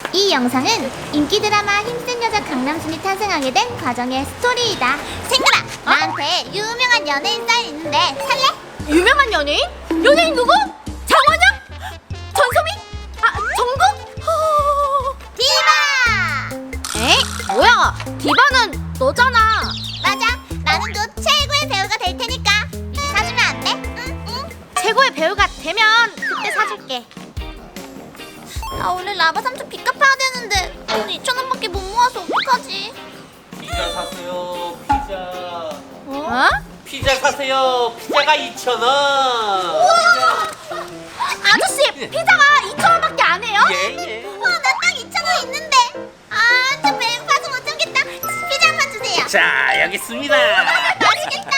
이 영상은 인기 드라마 힘센 여자 강남순이 탄생하게 된 과정의 스토리이다. 생글아, 나한테 유명한 연예인 쌀 있는데 살래? 유명한 연예인? 연예인 누구? 장원영? 전소민? 아, 정국? 디바! 에이, 뭐야? 디바는 너잖아. 맞아, 나는 곧 최고의 배우가 될 테니까 미리 사주면 안 돼? 응? 최고의 배우가 되면 그때 사줄게. 나 오늘 라바 삼촌 빚 갚아야 되는데 돈 2,000원밖에 못 모아서 어떡하지? 피자 사세요. 피자. 어? 피자 사세요. 피자가 2,000원. 아저씨, 피자가 2,000원밖에 안 해요? 예. 나 딱 2,000원 있는데. 저 배고파서 못 참겠다. 피자 한 판 주세요. 자, 여기 있습니다. 맛있겠다.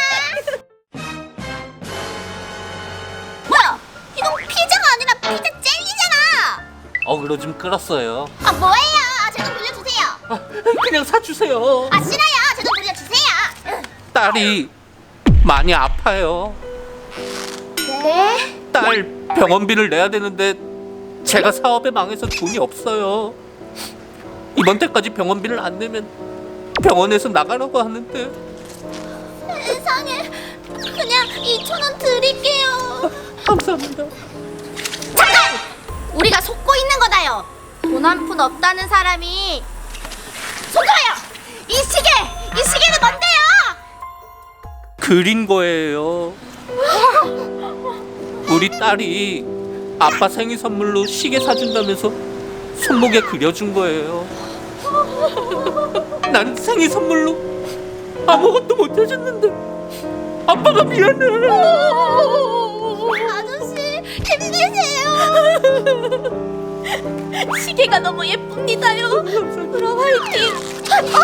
뭐야? 이건 피자가 아니라 피자 젤리잖아. 어그로 좀 끌었어요. 뭐예요? 제 돈 돌려주세요. 그냥 사주세요. 싫어요. 제 돈 돌려주세요. 딸이 많이 아파요. 네? 딸 병원비를 내야 되는데 제가 사업에 망해서 돈이 없어요. 이번 달까지 병원비를 안 내면 병원에서 나가라고 하는데. 세상에. 그냥 2,000원 드릴게요. 감사합니다. 잠깐! 우리가 속고 있는 거다요. 돈 한 푼 없다는 사람이 속아요. 이 시계는 뭔데요? 그린 거예요. 우리 딸이 아빠 생일 선물로 시계 사준다면서 손목에 그려준 거예요. 난 생일 선물로 아무것도 못 해줬는데 아빠가 미안해. 아저씨, 힘내세요. 시계가 너무 예쁩니다요. 그럼 화이팅.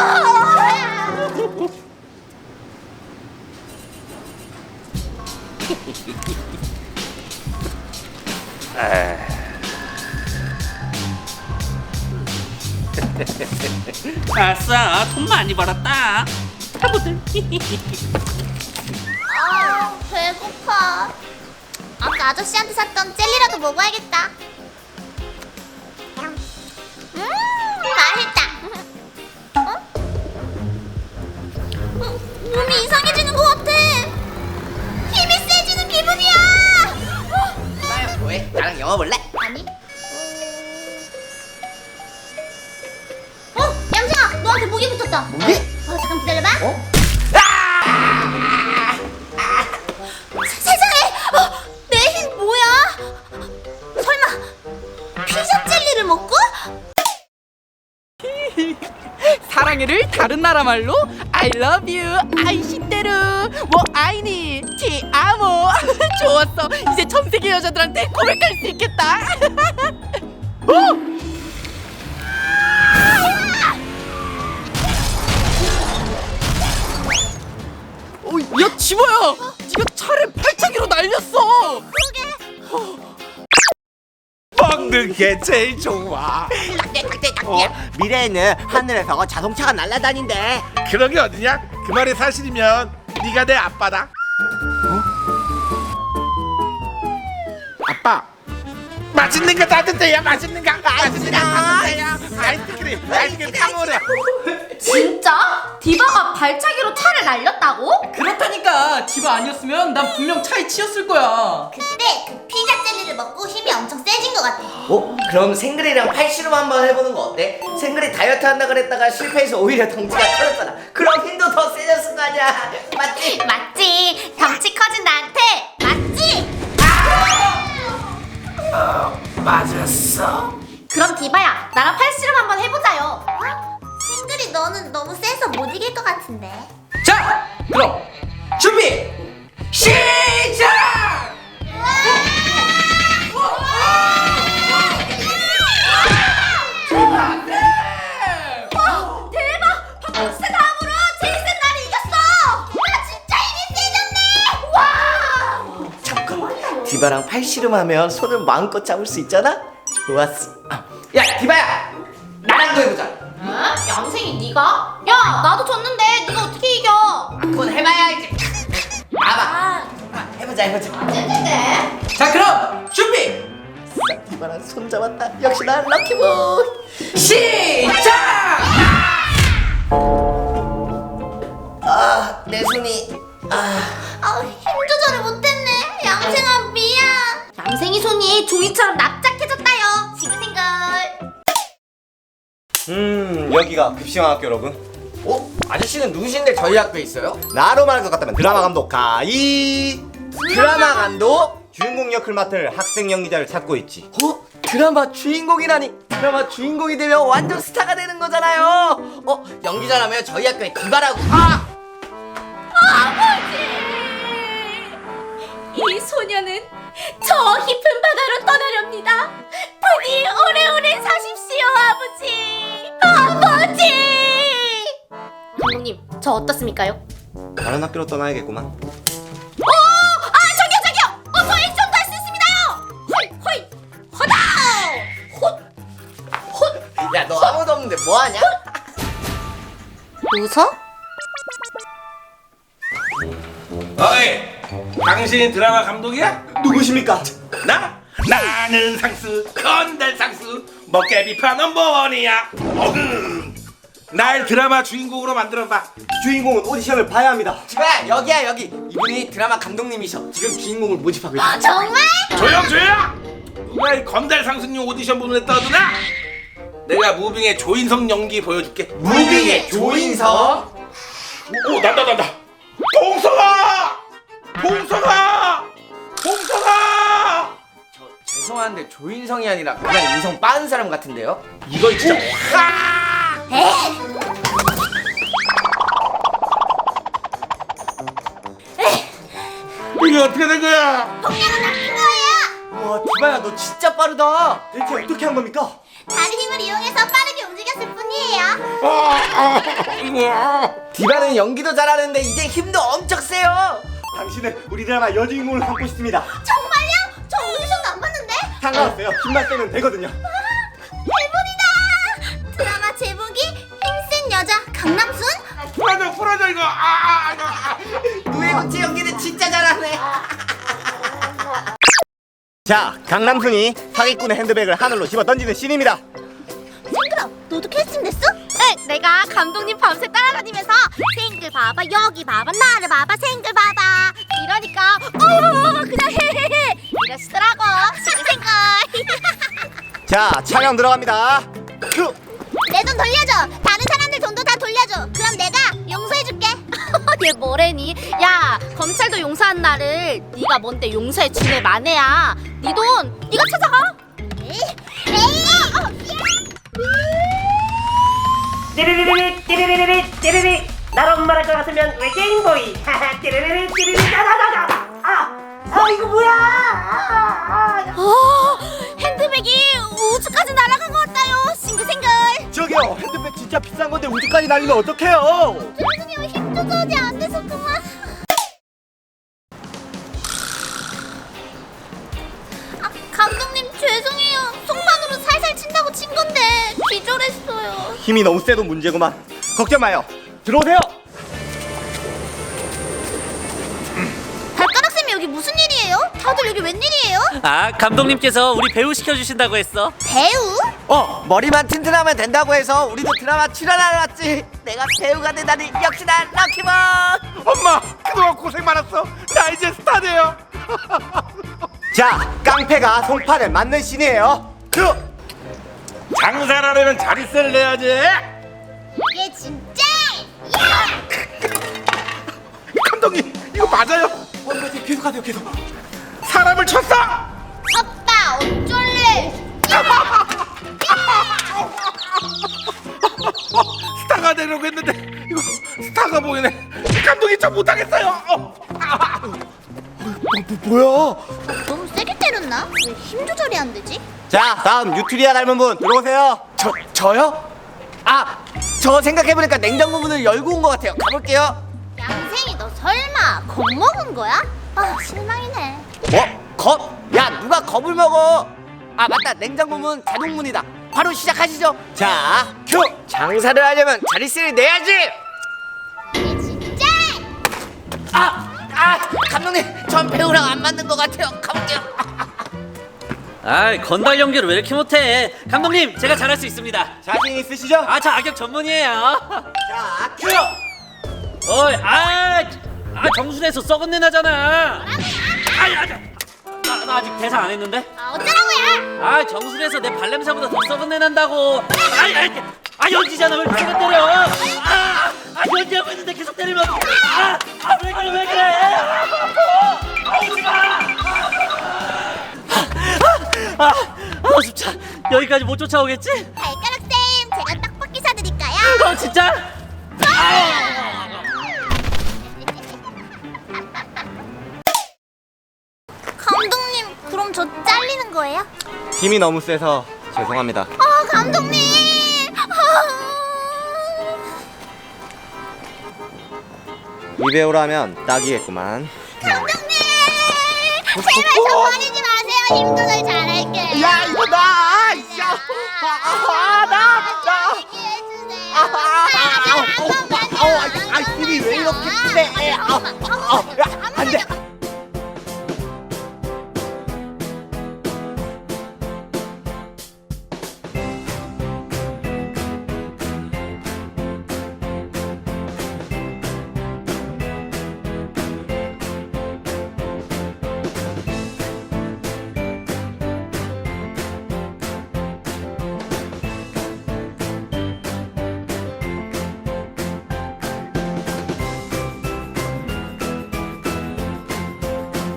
아싸, 돈 많이 벌었다. 타보들. 배고파. 아까 아저씨한테 샀던 젤리라도 먹어야겠다. 맛있다. 몸이 이상해지는 것 같아. 힘이 세지는 기분이야. 나야 뭐해? 나랑 영화 볼래? 아니? 얌생아, 너한테 모기 붙었다. 뭐지? 잠깐 기다려봐. 어? 세상에! 내 힘 뭐야? 설마 피자 젤리를 먹고? 사랑해를 다른 나라 말로 I love you, 아이시테르, 뭐 아이니, 티 아모. 좋았어. 이제 전 세계 여자들한테 고백할 수 있겠다. 야 지모야, 네가 차를 발차기로 날렸어. 먹는 게 제일 좋아. 미래에는 하늘에서 자동차가 날아다닌대. 그런 게 어디냐? 그 말이 사실이면 네가 내 아빠다. 아빠, 맛있는 거 따뜻해요. 맛있는 거 따뜻해요. 아이스크림 다 먹으래. 진짜? 디바가 발차기로 차를 날렸다고? 그렇다니까. 디바 아니었으면 난 분명 차에 치였을 거야. 그때 그 피자 젤리를 먹고 힘이 엄청 세진 것 같아. 그럼 생글이랑 팔씨름 한번 해보는 거 어때? 생글이 다이어트 한다 그랬다가 실패해서 오히려 덩치가 커졌잖아. 그럼 힘도 더 세졌을 거 아니야. 맞지? 맞지? 덩치 커진 나한테 맞지? 맞았어. 그럼 디바야, 나랑 팔씨름 한번 해보자요. 싱글이 너는 너무 세서 못 이길 것 같은데. 자, 그럼 준비 시작! 대박! 박국수 다음으로 제일 센 나를 이겼어! 나 진짜 힘이 세졌네. 와! 잠깐만, 디바랑 팔씨름하면 손을 마음껏 잡을 수 있잖아? 좋았어. 야, 디바야, 나랑도 해보자. 어? 얌생이 네가? 야, 나도 졌는데 네가 어떻게 이겨? 그건 해봐야지. 봐봐. 해보자. 어쨌든 자 그럼 준비. 디바랑 손 잡았다. 역시 난 럭키보이. 시작! 아, 내 손이. 힘 조절을 못했네. 얌생아 미안. 얌생이 손이 종이처럼 납작해졌다요. 싱글싱글. 여기가 급식학교 여러분. 아저씨는 누구신데 저희 학교에 있어요? 나로 말할 것 같다면 드라마 감독 가이. 드라마 감독? 주인공 역을 맡을 학생 연기자를 찾고 있지. 드라마 주인공이라니. 드라마 주인공이 되면 완전 스타가 되는 거잖아요. 연기자라면 저희 학교에 디바라고. 이 소녀는 저 깊은 바다로 떠나렵니다. 부디 오래오래 사십시오, 아버지. 감독님, 저 어떻습니까요? 다른 학교로 떠나야겠구만. 저기요! 저 액션도 할 수 있습니다요! 호이! 허다! 헛! 야, 너 아무도 없는데 뭐하냐? 웃어? 어이, 당신이 드라마 감독이야? 누구십니까? 나는 상수, 건달 상수, 먹개비파 넘버원이야. 날 드라마 주인공으로 만들어봐. 주인공은 오디션을 봐야 합니다. 지금 여기야 여기. 이분이 드라마 감독님이셔. 지금 주인공을 모집하고 있어. 정말? 조용! 누가 이 건달 상수님 오디션 부분에 떠드나? 내가 무빙의 조인성 연기 보여줄게. 무빙의 조인성? 오, 난다. 봉성아! 죄송한데 조인성이 아니라 그냥 인성 빠른 사람 같은데요? 이거 진짜. 이게 어떻게 된 거야? 동료가 나쁜 거예요. 와, 디바야 너 진짜 빠르다. 대체 어떻게 한 겁니까? 다른 힘을 이용해서 빠르게 움직였을 뿐이에요. 이거. 디바는 연기도 잘하는데 이제 힘도 엄청 세요. 당신은 우리 드라마 여주인공을 갖고 싶습니다. 정말요? 저 오디션도 안 봤는데? 상관없어요. 힘만 빼면 되거든요. 대본이다. 드라마 제목이 힘센 여자 강남순? 풀어줘 이거. 누에구치 연기는 진짜 잘하네. 자, 강남순이 사기꾼의 핸드백을 하늘로 집어 던지는 씬입니다. 생글아, 너도 캐스팅 됐어? 네, 내가 감독님 밤새 따라다니면서 생글 봐봐, 여기 봐봐, 나를 봐봐, 생글 봐봐 이러니까 그냥 헤헤헤 이러시더라고. 싱글싱글. 자, 촬영 들어갑니다. 큐! 내 돈 돌려줘. 다른 사람들 돈도 다 돌려줘. 그럼 내가 용서해줄게. 얘 뭐래니? 야, 검찰도 용서한 나를 네가 뭔데 용서해 주네 마네야. 네 돈 네가 찾아가. 띠리리리 띠리리리 띠리리 나로 말할 것 같으면 외계인보이 띠리리리 띠리리 나나나나 이거 뭐야 핸드백이 우주까지 날아간 것 같아요. 싱글싱글. 저기요, 핸드백 진짜 비싼 건데 우주까지 날리면 어떡해요? 죄송해요. 힘 조절이 안 돼서 그만. 감독님 죄송해요. 속만으로 살살 친다고 친 건데 기절했어요. 힘이 너무 세도 문제구만. 걱정 마요. 들어오세요. 발가락 쌤이 여기 무슨 일이에요? 다들 여기 웬일이에요? 아, 감독님께서 우리 배우 시켜주신다고 했어. 배우? 머리만 튼튼하면 된다고 해서 우리도 드라마 출연하러 왔지. 내가 배우가 되다니 역시나 럭키볼. 엄마, 그동안 고생 많았어. 나 이제 스타 돼요. 자, 깡패가 송판을 맞는 씬이에요. 큐! 장사를 하려면 자릿세를 내야지. 이게 진짜? 감독님, 이거 맞아요? 계속 하세요, 계속. 사람을 쳤어. 오빠 어쩔래? 스타가 되려고 했는데 이거 스타가 보이네. 감독이 저 못하겠어요. 뭐야? 너무 세게 때렸나? 왜 힘 조절이 안 되지? 자, 다음 유트리아 닮은 분 들어오세요. 저요? 저 생각해보니까 냉장고 문을 열고 온 것 같아요. 가볼게요. 양생이 너 설마 겁먹은 거야? 실망이네. 겁? 야, 누가 겁을 먹어? 맞다, 냉장고 문 자동문이다. 바로 시작하시죠. 자, 큐! 장사를 하려면 자릿세를 내야지. 이게 진짜? 감독님, 전 배우랑 안 맞는 것 같아요. 가볼게요. 아이, 건달 연기를 왜 이렇게 못해? 감독님, 제가 잘할 수 있습니다. 자신 있으시죠? 아, 저 악역 전문이에요. 자, 큐! 어이, 정수리에서 썩은 내 나잖아. 나 아직 대사 안 했는데? 어쩌라고요? 정수리에서 내 발냄새보다 더 썩은 내 난다고. 연지잖아. 왜 이렇게 세게 때려? 연지하고 있는데 계속 때리면. 왜 그래? 오지 마. 진짜 여기까지 못 쫓아오겠지? 발가락 쌤, 제가 떡볶이 사드릴까요? 진짜? 감독님, 그럼 저 잘리는 거예요? 힘이 너무 세서 죄송합니다. 감독님! 이 배우라면 딱이겠구만. 감독님! 제발 저 버리지 마세요. 힘도 널 잘할게요. 야, 이거 나! 얘기해주세요. 힘이 왜 이렇게 세?